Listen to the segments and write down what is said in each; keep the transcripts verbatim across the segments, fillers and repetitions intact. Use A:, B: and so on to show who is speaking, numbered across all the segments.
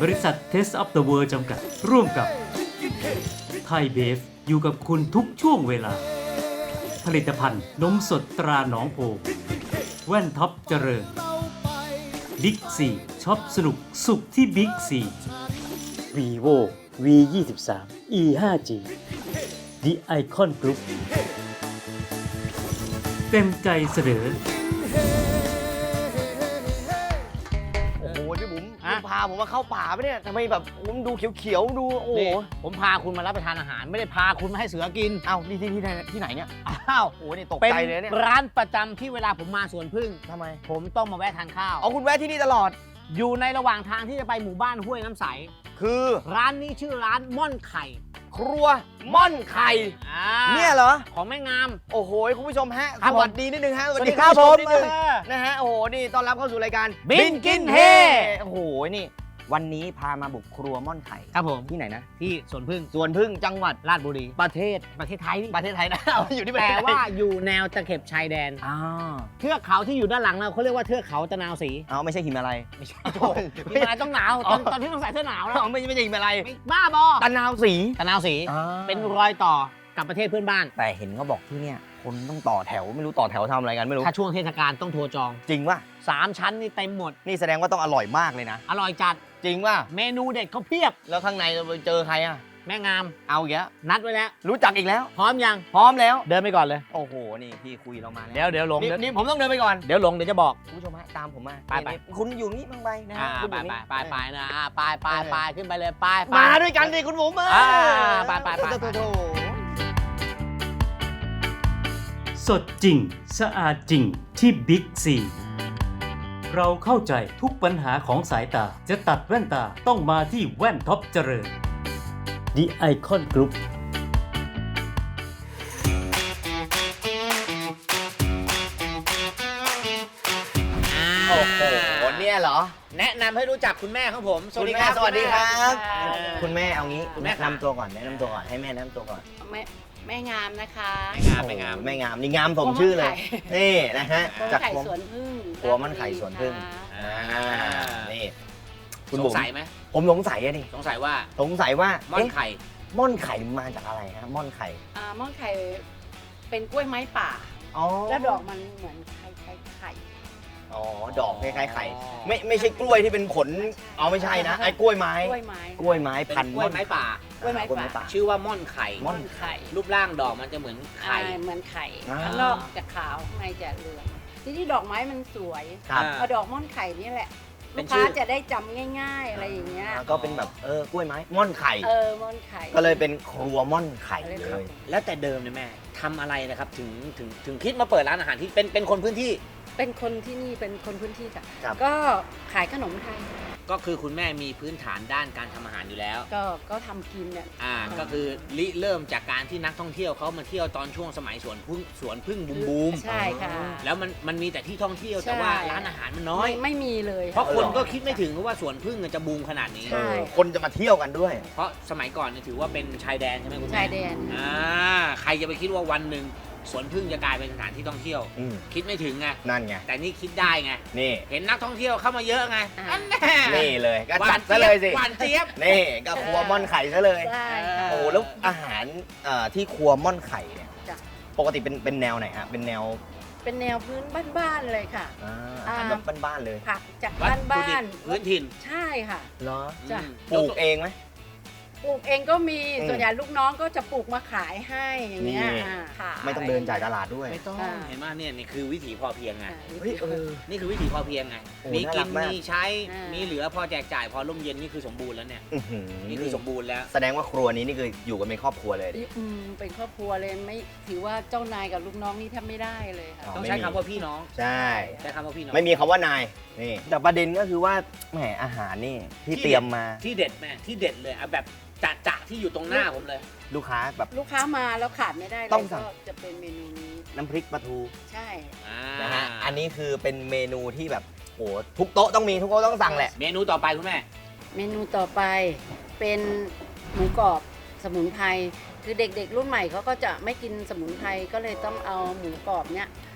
A: บริษัท Taste of the World จำกัดร่วมกับไทยเบฟอยู่กับคุณทุกช่วงเวลาผลิตภัณฑ์นมสดตราหนองโพแว่นท็อปเจริญบิ๊กซีช็อปสนุกสุขที่บิ๊กซี vivo วี ยี่สิบสาม อี ห้าจี The Icon Group เต็มใจเสนอ
B: โอ้โหพี่บุ๋มคุณพาผมมาเข้าป่าปะเนี่ยทำไมแบบผมดูเขียวๆดูโอ้โห
C: นี่ผมพาคุณมารับประทานอาหาร ไม่ได้พาคุณมาให้เสือกิน
B: เอ้านี่ที่ที่ไหนที่ไหนเนี่ย
C: อ้าว
B: โอ้โหนี่ตก
C: เป็น
B: ใจเลยเนี่ย
C: ร้านประจำที่เวลาผมมาสวนพึ่ง
B: ทำไม
C: ผมต้องมาแวะทานข้าว
B: เอาคุณแวะที่นี่ตลอด
C: อยู่ในระหว่างทางที่จะไปหมู่บ้านห้วยน้ำใส
B: คือ
C: ร้านนี้ชื่อร้านม่อนไข่
B: ครัวม่อนไข่
C: อ่า
B: เนี่ยเหรอ
C: ของแม่งาม
B: โอ้โหคุณผู้ชมฮะ
C: ครั
B: ส
C: บผม
B: วัสดีนิดนึงฮะ
C: สวัสดีครับ
B: ณ
C: ผ
B: ผู้
C: ม
B: ชนิดนึงนะฮะโอ้โหนี่ต้อนรับเข้าสู่รายการ
C: บินกินเฮ
B: โอ้โหนี่วันนี้พามาบุกครัวม่อนไข่
C: ครับผม
B: ที่ไหนนะ
C: ที่สวนพึ่ง
B: สวนพึ่งจังหวัด
C: ราชบุรี
B: ประเทศ
C: ประเทศไทยนี่
B: ประเทศไทยนะ เอาอยู่ที่ประเท
C: แต่
B: ศไทย
C: ว่าอยู่แนวตะเข็บชายแดน
B: อ้าว
C: เทือกเขาที่อยู่ด้านหลังเราเขาเรียกว่าเทือกเขาตะนาวศรี
B: เอาไม่ใช่หิมาลัย
C: ไม่ใช่โถ่มีอะไรต้องหนาวตอนตอนที่ต้องใส่เสื้อหนาวแล้ว
B: เอาไม่ไม่ใช่หิมาลัย
C: ไม่บ้าบอ
B: ตะนาวสี
C: ตะนาวศรีเป็นรอยต่อกับประเทศเพื่อนบ้าน
B: แต่เห็นเขาบอกที่เนี่ยคนต้องต่อแถวไม่รู้ต่อแถวทำอะไรกันไม่รู้
C: ถ้าช่วงเทศกาลต้องโทรจอง
B: จริงป่ะ
C: สามชั้นนี่เต็มหมด
B: นี่แสดงว่าต้องอร่อยมากเลยนะ
C: อร่อยจัด
B: จริงป่ะ
C: เมนูเด็ดเขาเพียบ
B: แล้วข้างในเราไปเจอใครอ่ะ
C: แม่งาม
B: เอาอีกแล้ว
C: นัดไว้แล้ว
B: รู้จักอีกแล้ว
C: พร้อมยัง
B: พร้อมแล้ว
C: เดินไปก่อนเลย
B: โอ้โหนี่พี่คุยเรามาแล้ว
C: เดี๋ยวเดี๋ยวหลง
B: นี่
C: เดี๋ยว
B: นี่ผมต้องเดินไปก่อน
C: เดี๋ยวหลงเดี๋ยวจะบอก
B: คุณผู้ชมฮะตามผมมา
C: ไปไป
B: นี่คุณอยู่นี่บางใบนะ
C: อ่า
B: ฮะคุณ
C: ไป
B: อยู่
C: ไป
B: นี่
C: ไปไปนะอ่าไปไปไปขึ้นไปเลยไปไป
B: มาด้วยกันดิคุณผม
C: อ่าไปไปไป
B: โถ่โถ่โถ่
A: สดจริง สะอาดจริงที่บิ๊กซีเราเข้าใจทุกปัญหาของสายตาจะตัดแว่นตาต้องมาที่แว่นท็อปเจริญ The Icon Group
B: โอ้โหเนี่ยเหรอ
C: แนะนำให้รู้จักคุณแม่ของผม
B: สวัสดีครับสวัสดีครับ
C: ณแม่
B: คุณแม่เอางี้
C: คุณแม่
B: แนะนำตัวก่อนแนะนำตัวก่อนให้แม่แนะนำตัวก่อน
D: แม่แม่งามนะคะ
C: ไม่งามไม่งาม
B: แม่งามนี่งามสมชื่อเลย นี่นะฮะ
D: ครัว
B: จาก
D: ไข่
B: ครัว
D: สวนพึ่ง
B: ครัวมันไข่สวนพึ่ง
D: ค่ะ
B: อ่านี่คุณ
C: ส
B: บุ๋
C: ง
B: ม
C: สัยไหม
B: ผมสงสัยอะดิ
C: สงสัยว่า
B: สงสัยว่า
C: ม่อน
B: เอ๊ะ
C: ไข่
B: ม่อนไข่มาจากอะไรฮะม่อนไข่
D: อ่าม่อนไข่เป็นกล้วยไม้ป่า
B: อ๋อ
D: แล้วดอกมันเหมือนไข่ไข่ไข่
B: อ๋อดอกคล้ายๆไข่ไม่ไม่ใช่กล้วยที่เป็นผลอ๋อไม่ใช่นะไอ้กล้วยไม้
D: กล้วยไม้
B: กล้วยไม้
C: เป็น
B: พันธุ์
C: กล้วยไม้ป่า
D: กล้วยไม้
B: กล้วย
D: ป่า
B: ไม้ป่า
C: ชื่อว่าม่อนไข่
B: ม่อน
D: ไข่
C: รูปร่างดอกมันจะเหมือนไข่
D: อ่าเหมือนไข่
B: อ่า
D: ข้างนอกจะขาวข้างในจะเหลืองทีนี้ดอกไม้มันสวย
B: ครับ
D: เอาดอกม่อนไข่นี่แหละ
C: เป็
D: ลู
C: น
D: ก
C: ชื่
D: ค้า
C: อ
D: จะได้จำง่าย ๆ อะไรอย่างเงี้ย
B: อ่าก็เป็นแบบเออกล้วยไม้ม่อนไข่
D: เออม่อนไข่
B: ก็เลยเป็นครัวม่อนไข่เลย
C: แล้วแต่เดิมเนี่ยแม่ทำอะไรนะครับถึงถึงถึงคิดมาเปิดร้านอาหารที่เป็นเป็นคนพื้นที่
D: เป็นคนที่นี่เป็นคนพื้นที่ค่ะ
B: ครับ
D: ก็ขายขนมไทย
C: ก็คือคุณแม่มีพื้นฐานด้านการทำอาหารอยู่แล้ว
D: ก็ก็ทำกินเนี่ย
C: อ่าก็คือริเริ่มจากการที่นักท่องเที่ยวเขามาเที่ยวตอนช่วงสมัยสวนพึ่งสวนพึ่งบูมบูม
D: ใช่ค่ะ
C: แล้วมันมันมีแต่ที่ท่องเที่ยว
D: ใช่
C: แต่ว่าร้านอาหารมันน้อย
D: ไม่ไม่มีเลย
C: เพราะคนก็คิดไม่ถึงว่าสวนพึ่งจะบูมขนาดนี้
D: ใช่
B: เออคนจะมาเที่ยวกันด้วย
C: เพราะสมัยก่อนเนี่ยถือว่าเป็นชายแดนใช่ไหมคุณแม่
D: ชายแดน
C: อ่าใครจะไปคิดว่าวันหนึ่งสวนพึ่งจะกลายเป็นสถานที่ท่องเที่ยว
B: อืม
C: คิดไม่ถึงไง
B: นั่นไง
C: แต่นี่คิดได้ไง
B: นี่
C: เห็นนักท่องเที่ยวเข้ามาเยอะไง
D: อ่า
C: อันแน่
B: นี่เลยก็
C: หวา
B: จัด
C: น
B: ซะเลยสิ
C: หวานเจี๊ยบ
B: นี่ก็ครัวม่อนไข่ซะเลย
D: ใช่ค่ะ
B: โอ้แล้วอาหารเอ่อที่ครัวม่อนไข่เนี่ย
D: จ้ะ
B: ปกติเป็นเป็นแนวไหนฮะเป็นแนว
D: เป็นแนวพื้นบ้านๆเลยค่ะ
B: อ่า
D: อ่า
B: อาหารแบบบ้านๆเลย
D: ผักจาก
C: วัตถุ
D: บ้า
C: ดิบ
D: น
C: พื้นถิ่น
D: ๆใช่ค่ะ
B: เหรอ
D: จ้ะ
C: อืม
B: ปลูกเองไหม
D: ปลูกเองก็มี
B: อืม
D: ส่วนใหญ่ลูกน้องก็จะปลูกมาขายให้อย่างเงี้ย
B: นี่
D: อ่าขาย
B: ไม่ต้องเดินจ่ายตลาดด้วย
C: ไม่ต้อง
D: อ่า
C: เห็นไหมเนี่ยนี่คือวิถีพอเพียงไง
D: อ่า
B: เฮ้ยเออ
C: นี่คือวิถีพอเพียงไง
B: โอ้
C: มีกิน
B: น่ารักมาก
C: มีใช้
D: อ่ามี
C: มีเหลือพอแจกจ่ายพอร่มเย็นนี่คือสมบูรณ์แล้วเนี่ย
B: อื้อหือ
C: นี่คือสมบูรณ์แล้ว
B: แสดงว่าครัวนี้นี่คืออยู่กันเป็นครอบครัวเลยดิ
D: อืมเป็นครอบครัวเลยไม่ถือว่าเจ้านายกับลูกน้องนี่แทบไม่ได้เลยค่ะ
B: อ๋อ
C: ต้องใช้คำว่าพี่น้อง
B: ใช่
C: ใช้คำว่าพี่น้อง
B: ไม่มีคำว่านายนี่แต่ประเด็นก็คือว่าแหมอาหารนี่ที่เตรียมมา
C: ที่เด็ดแม่ที่เด็ดเลยเอาแบบจะจะที่อยู่ตรงหน้าผมเลย
B: ลูกค้าแบบ
D: ลูกค้ามาแล้วขาดไม่ได้เลย
B: ต้องสั่ง
D: ก็จะเป็นเมนูนี้
B: น้ำพริกปลาทู
D: ใช่
C: อ่า
B: นะฮะอันนี้คือเป็นเมนูที่แบบโหทุกโต๊ะต้องมีทุกโต๊ะต้องสั่งแหละ
C: เมนูต่อไปคุณแม่
D: เมนูต่อไปเป็นหมูกรอบสมุนไพรคือเด็กๆรุ่นใหม่เขาก็จะไม่กินสมุนไพรก็เลยต้องเอาหมูกรอบเนี้ย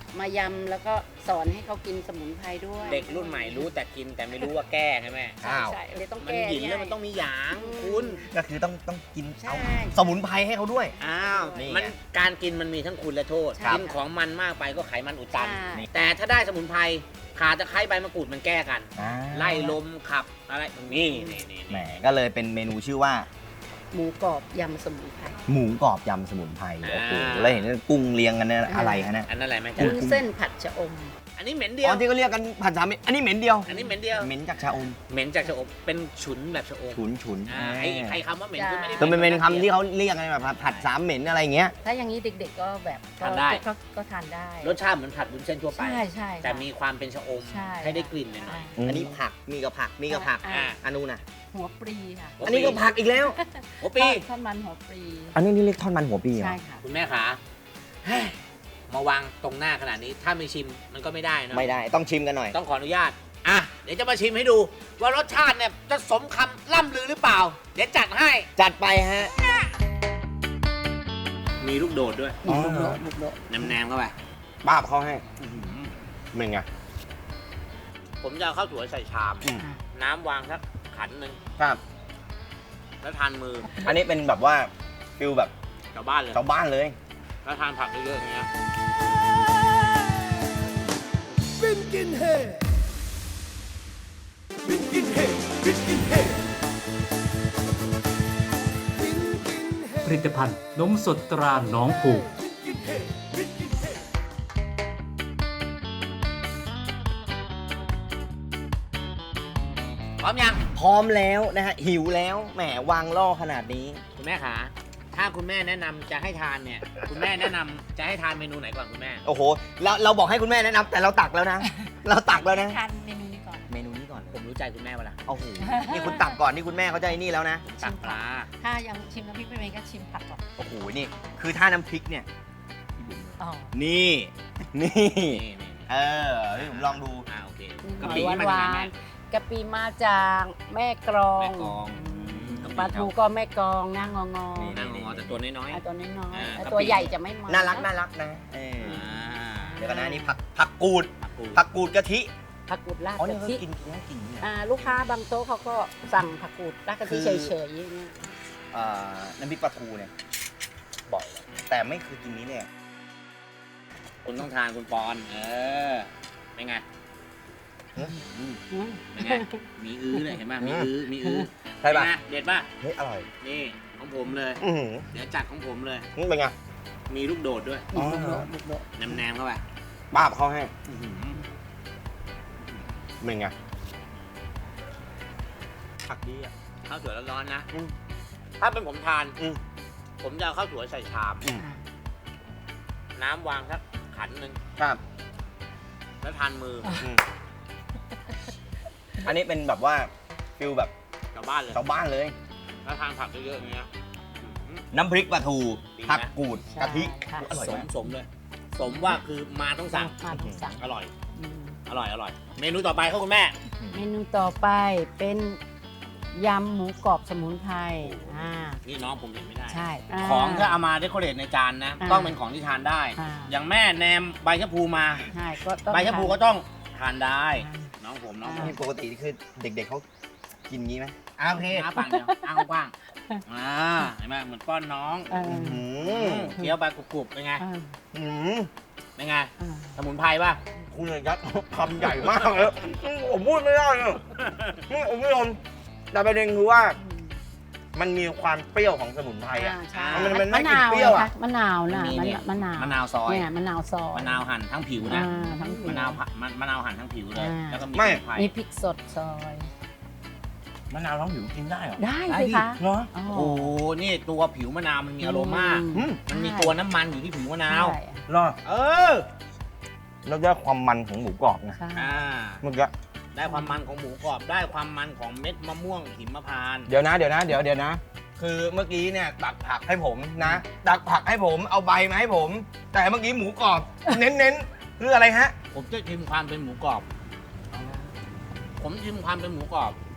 D: มายำแล้วก็สอนให้เขากินสมุนไพรด้วย
C: เด็กรุ่นใหม่รู้แต่กินแต่ไม่รู้ว่าแก้ใช่ไหม
D: ใช่ใช่เลยต้อง
C: มัน
D: แก้
C: หยินแล้วมันต้องมีหยางคุณ
B: ก็คือต้องต้องกิน
D: ใช่
B: เอาสมุนไพรให้เขาด้วย
C: อ้าว
B: นี่ไง
C: มันการกินมันมีทั้งคุณและโทษ
D: ใช่
C: กินของมันมากไปก็ไขมันอุดตัน
D: ใช่
C: แต่ถ้าได้สมุนไพรขาตะไคร้ใบมะกรูดมันแก้กัน
B: อ่า
C: ไล่ลมขับอะไรนี่นี่นี่
B: แหมก็เลยเป็นเมนูชื่อว่า
D: หมูกรอบยำสมุนไพร
B: หมูกรอบยำสมุนไพรโอ้โหแล้วเห็นกุ้งเรียงกันเนี่ยอะไรฮะเนี่ย
C: อันนั้นอะไรไหมจ๊ะ
D: วุ้นเส้นผัดชะอม
C: อันนี้เหม็นเดีย
B: อ๋
C: ว
B: อที่เขาเรียกกันผัดสามเม็ดอันนี้เหม็นเดียว
C: อันนี้เหม็นเดียว
B: เหม็นจากชาอม
C: เหม็นจากชะอมเป็นฉุนแบบชะอม
B: ฉุนฉุน
C: อ่าไอ้ไอ้คำว่าเหม็นคือไม่ได้
B: คือมันเป็นคำที่เขาเรียกกันแบบผัดสามเหม็นอะไรอย่างเงี้ย
D: ถ้าอย่างนี้เด็กๆก็แบบก็
C: ทานได้
D: ก็ก็ทานได้
C: รสชาติเหมือนผัดวุ้นเส้นทั่วไป
D: ใช่ใช่
C: แต่
D: ค่ะ
C: มีความเป็นชะอม
D: ใช่
C: ให้ได้กลิ่นหน่อย
D: อ่า
B: อันนี้ผักมีกับผักมีกับผัก
D: อ่า
B: อันนู้นน่ะ
D: หัวปลีค่ะ
C: หัวปลี
B: อันนี้ก็ผักอีกแล้ว
C: โอ้ปี
D: ทอดมันหัวปลี
B: อันนี้นี่เรียกทอดมันหัวปีเหรอ
D: ใช่ค่ะ
C: คุณแม่ขาเฮ้ยมาวางตรงหน้าขนาดนี้ ถ้าไม่ชิมมันก็ไม่ได้เนอะ
B: ไม่ได้ต้องชิมกันหน่อย
C: ต้องขออนุญาต อ่ะ เดี๋ยวจะมาชิมให้ดู ว่ารสชาติเนี่ยจะสมคำล่ำลือหรือเปล่า เดี๋ยวจัดให้
B: จัดไปฮะ
C: มีลูกโดดด้วย
B: อ๋อ
D: บุกโดะบุกโดะ
C: แนมๆเข้าไป
B: ป้าบเขาให้เป็นไง
C: ผมจะเอาข้าวสวยใส่ชาม
B: อืม
D: อ่ะ
C: น้ำวางสักขันหนึ่ง
B: ครับ
C: แล้วทานมือ
B: อันนี้เป็นแบบว่าฟิลแบบ
C: ชาวบ้านเลย
B: ชาวบ้านเลย
C: แล้วทานผักเยอะๆอย่างเงี้ย
A: ผลิตภัณฑ์นมสดตราหนองผู
C: พร้อมยัง
B: พร้อมแล้วนะฮะหิวแล้วแหมวางล่อขนาดนี้
C: คุณแม่ขา ถ้าคุณแม่แนะนำจะให้ทานเนี่ย คุณแม่แนะนำจะให้ทานเมนูไหนก่อนคุณแม่
B: โอ้โหเราเราบอกให้คุณแม่แนะนำแต่เราตักแล้วนะ เราตักแล้วนะ
D: ทานเมนูนี้ก่อน
B: เมนูนี้ก่อน
C: ผมรู้ใจคุณแม่เวลา
B: โอ้โหนี่คุณตักก่อนนี่คุณแม่เขาจะไอ้นี่แล้วนะ
C: ตักปลา
D: ถ้ายังชิมน้ำพริกไม่เป็นก็ชิมผักก่อน
B: โอ้โหนี่คือถ้าน้ำพริกเนี่ย
D: อ๋อ
B: นี่นี่
C: นี่นี่
B: เออนี่ผมลองดู
C: อ่าโอเค
D: ห
C: กะ
D: น่อ
C: ปิ
D: ยห
C: นี่มัน
D: วา
C: ยังไง
D: น
C: แม่
D: ๆกะปิมาจากแม่กรอง
C: แม่กลอง
D: ปลาทูก็แม่กรองหน้างองอ
C: นั่งงอแต่ตัวน้อย
D: อ่ะตัวน้อย
C: อ่า
D: ๆอ่ะ
C: กะปิ
D: ตัวใหญ่จะไม่มา
B: น่ารักน่ารักนะเออ
C: ๆอ่า
B: เดี๋ยวกันนะนี่ผักผักกูด
C: ผักกูด
B: ผักกูดกะทิ
D: ผักกูดราด
B: อ๋อนี่
D: กะ
B: เขา
D: ทิ
B: กินกินกินเนี่ย
D: อ่าลูกค้าบางโต๊ะเขาก็สั่งผักกูดราดกะทิ
B: คือ
D: เฉยๆอย่างเงี้ย
B: อ่าน้ำพริกปลาทูเนี่ยบ่อยแต่ไม่เคยกินนี้เนี่ย
C: คุณต้องทานคุณปอน เออเป็นไง
D: อืม
C: เป็นไง มีอื้อเลยเห็นไหมมีอื้อ มีอื้อ
B: ใช่ป่ะ
C: เป็นไงเด็ดป่ะ
B: เฮ้ยอร่อย
C: นี่ของผมเลย
B: อือหือ
C: เดี๋ยวจัดของผมเลย
B: นี่เป็นไง
C: มีลูกโดดด้วย
B: อ๋อ
D: บุกโดะบุกโดะ
C: แนมๆเข้าไป
B: ป้าบเขาให้เป็นไงผักดีอ่ะ
C: ข้าวสวยร้อนๆนะ
B: อืม
C: ถ้าเป็นผมทาน
B: อืม
C: ผมจะเอาข้าวสวยใส่ชาม
B: อืม
D: อ่ะ
C: น้ำวางสักขันหนึ่ง
B: ครับ
C: แล้วทานมือ
B: อืมอันนี้เป็นแบบว่าฟิลแบบ
C: กลับบ้านเลย
B: ชาวบ้านเลย
C: แล้วทานผักเยอะๆอย่างเงี้ยอืม
B: น้ำพริกปลาทู
C: ดีไหม
B: ผักกูดกะทิ
D: ค่ะ
B: อร่อย
C: ส
B: มาม ก
C: สมเลย สมว่าคือมาต้องสั่ง
D: มาต้องสั่ง
C: อร่อย
D: อืม
C: อร่อย อร่อย เมนูต่อไปครับคุณแม่
D: เมนูต่อไปเป็นยำหมูกรอบสมุนไพรอ่า
C: นี่น้องผมเห็นไม่ได้
D: ใช่า
C: ของถ้าเอามาเดคอเรทในจานนะ
D: อ่า
C: ต้องเป็นของที่ทานได้
D: อ่า
C: อย่างแม่แนมใบชะพูมา
D: ใช่ก็ต้อง
C: ใบชะพูก็ต้องทานได้ น้องผมน้องผม
B: นี่ปกติคือเด็กๆเขากินงี้ไหม
C: อ่าโอเคอ้าปากเดียวอ้ากว้างๆอ่าเห็นไหมเหมือนป้อนน้อง
D: เออ
B: อื
C: อื
B: ม
C: มเคี้ยวไปกรุบๆเป็นไง
D: อ่า
B: อืม
C: เป็นไง
D: อ่า
C: สมุนไพรป่ะ
B: คุณเนี่ยยัดคำใหญ่มากเลยผมพูดไม่ได้เลยนี่ผมไม่ยอมแต่ประเด็นคือว่ามันมีความเปรี้ยวของสมุนไพรอ่ะ
D: อ่าใช่
B: มันมันไม่
D: มะนาว
B: กลิ่นเปรี้ยวอะ
D: ไงคมะนาวน่ะ
C: มี
D: มะ
C: เนี่ย
D: มะนาว
C: มะนาวซอย
D: เนี่ยมะนาวซอย
C: มะนาวหั่นทั้งผิวนะ
D: อ่าทั้งผิว
C: มะนาวมะมะนาวหั่นทั้งผิวเลย
D: อ่า
C: แล้วก็มี
B: ไม่
C: สมุนไพร
D: มีพริกสดซอย
B: มะนาวร้องผิวกินได้เหรอ
D: ได้
C: ได้
D: สิ
C: ดิ
D: คะ
B: เหรอ
D: อ๋อ
C: โอ้โหนี่ตัวผิวมะนาวมันมีอโรมา
B: อืม
C: มันมีตัวน้ำมันอยู่ที่ผิวมะนาว
D: ใช่
B: เหรอ
C: เออ
B: แล้วได้ความมันของหมูกรอบนะ
D: ใช่
C: อ่า
B: เมื่อกี้
C: ได้ความมันของหมูกรอบ ได้ความมันของเม็ดมะม่วงหิมพานต์
B: เดี๋ยวนะเดี๋ยวนะเดี๋ยวเดี๋ยวนะ คือเมื่อกี้เนี่ยตักผักให้ผมนะ ตักผักให้ผมเอาใบมาให้ผม แต่เมื่อกี้หมูกรอบ เน้นเน้นๆคืออะไรฮะ
C: ผมจะชิมความเป็นหมูกรอบ ผมชิมความเป็นหมูกรอบ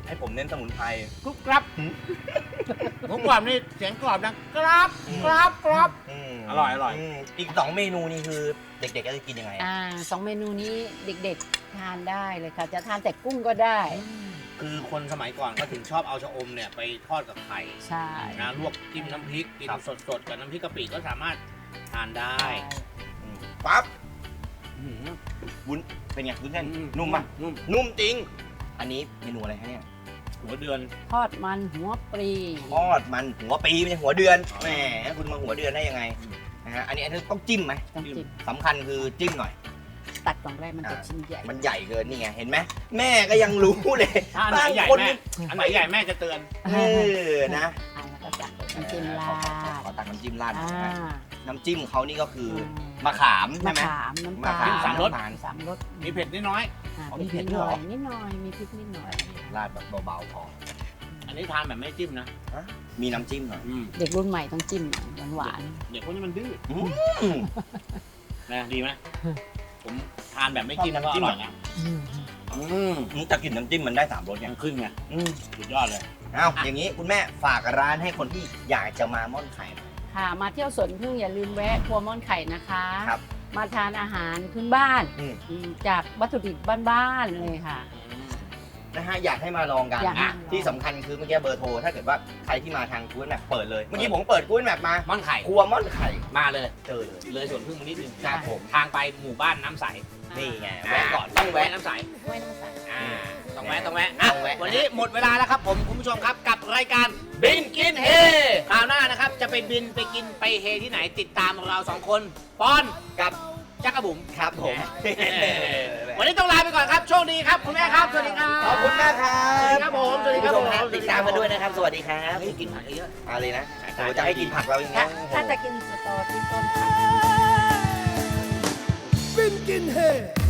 B: ให้ผมเน้นสมุนไพร
C: กรุบกรับหมูกรอบนี่เสียงกรอบดังกรับกรับกรับ
B: ม
C: อร่อยอร่อย
B: มอีกสองเมนูนี่คือเด็กๆก็จะกินยังไงอะ
D: อ่าสองเมนูนี้เด็กๆทานได้เลยค่ะ จะทานแต่กุ้งก็ได้
C: คือคนสมัยก่อนก็ถึงชอบเอาชะอมเนี่ยไปทอดกับไข่
D: ใช่
C: นะลวกจิ้มน้ำพริกกินสดๆกับน้ำพริกกะปิก็สามารถทานได้
B: อืมปั๊บ
C: อื้อหือ
B: วุ้นเป็นไงวุ้นเส้น
C: อื
B: นุ่มปะ
C: นุ่ม
B: นุ่มจริง อันนี้เมนูอะไรฮะเนี่ย
C: หัวเดือน
D: ทอดมันหัวปลี
B: ทอดมันหัวปีไม่ใช่หัวเดือนแหมคุณมาหัวเดือนได้ยังไงนะฮะอันนี้อันนี้ต้องจิ้มไหม
D: ต้องจิบ
B: สำคัญคือจิ้มหน่อย
D: ตัดกล่องแรกมันจะชิ้นใหญ่
B: มันใหญ่เกินนี่ไงเห็นไหมแม่ก็ยังรู้เลย
C: ถ้าอันไหนใหญ่
B: บางคน
C: แม่อันไหนใหญ่แม่จะเตือน
B: เออนะ
D: อ่าแล้วก็จัดน้ำจิ้มรา
B: ขอขอ
D: ด
B: ขอตักน้ำจิ้มราดหน่
D: อ่า
B: อยนะฮะน้ำจิ้มเขานี่ก็คืออ
D: ม
B: มะขามใช่
D: มะ
B: ไหม
D: ขามน้ำ
B: มะ
D: ตา
B: ขาม
D: ล
C: สามรส
B: น้ำตาล
D: สามรส
C: มีเผ็ดนิดน้อย
D: อ่า
B: อ๋อมี
D: มี
B: เผ็
D: เผ็
B: ด
D: ด
B: ด้วย
D: ห
B: เหร
D: น่
B: อ
D: อยนิดหน่อยมีพริกนิดหน่อย
B: ราดแบบเบาๆพอ
C: อันนี้ทานแบบไม่จิ้มนะ
B: มีน้ำจิ้มหน่อย
C: อืม
D: เด็กรุ่นใหม่ต้องจิ้มหน่อยหวาน
C: เด็กพวกนี้มันดื้อ
B: อืม
C: นะดีไหมผมทานแบบไม่จิ้ม
B: ชอบ
C: ก็
B: น้ำ
C: อ
B: จิ้ม
C: ร่อยนะ
D: ๆอืม
C: อืม
B: แต่กลิ่นน้ำจิ้มมันได้สามรสไง
C: ยังขึ้นไง
B: อืม
C: สุดยอดเลย
B: เอาอย่างนี้คุณแม่ฝากร้านให้คนที่อยากจะมาม่อนไข่หน่อย
D: ค่ะมาเที่ยวสวนพึ่งอย่าลืมแวะครัวม่อนไข่นะคะ
B: ครับ
D: มาทานอาหารพื้นบ้าน
B: อืม
D: อืมจากวัตถุดิบบ้านๆเลยค่ะ
B: นะฮะอยากให้มาลองกัน
D: อยากให้
B: อ่ะ
D: มาลอง
B: ที่สำคัญคือเมื่อกี้เบอร์โทรถ้าเกิดว่าใครที่มาทางกู๊ดแมปเปิดเลย เมื่อกี้ผมเปิดกู๊ดแมปมา
C: ม่อนไข่
B: ครัวม่อนไข่
C: มาเลย
B: เจอเลย
C: เลยสวนพึ่งมานิดนึง
B: ครับผม
C: ทางไปหมู่บ้านน้ำใส
B: นี่ไง
C: แวะ
B: แวะ
C: ก่
B: ก่
C: อ
B: อน น
C: ต้
B: ต้
C: อ
B: อง ง
C: แวะ
B: แวะ
C: น้ำใส
D: ไว้น้ำใส
C: อ่าต้องแวะต้องแวะอ่ะ
B: ต้องแวะ
C: วันนี้หมดเวลาแล้วครับผมคุณผู้ชมครับกับรายการบินกินเฮคราวหน้านะครับจะไปบินไปกินไปเฮที่ไหนติดตามเราสองคนปอน
B: กับ
C: จักรบุ๋ม
B: ครับผม
C: วันนี้ต้องลาไปก่อนครับโชคดีครับคุณแม่ครับสวัสดีครับ
B: ขอบคุณมากครับ
C: สวัสดีครับผมสวัสดีครับผม
B: ติดตามกันด้วยนะครับ สวัสดีครับ
C: เฮ้ยกินผักเยอะ
B: มาเลยนะโอ้จะให้กินผักเราอย่าง
D: ถ้า
B: เงี้ย
D: ถ้าจะกินสตอที่ต้นค่ะ
E: Finkin Head.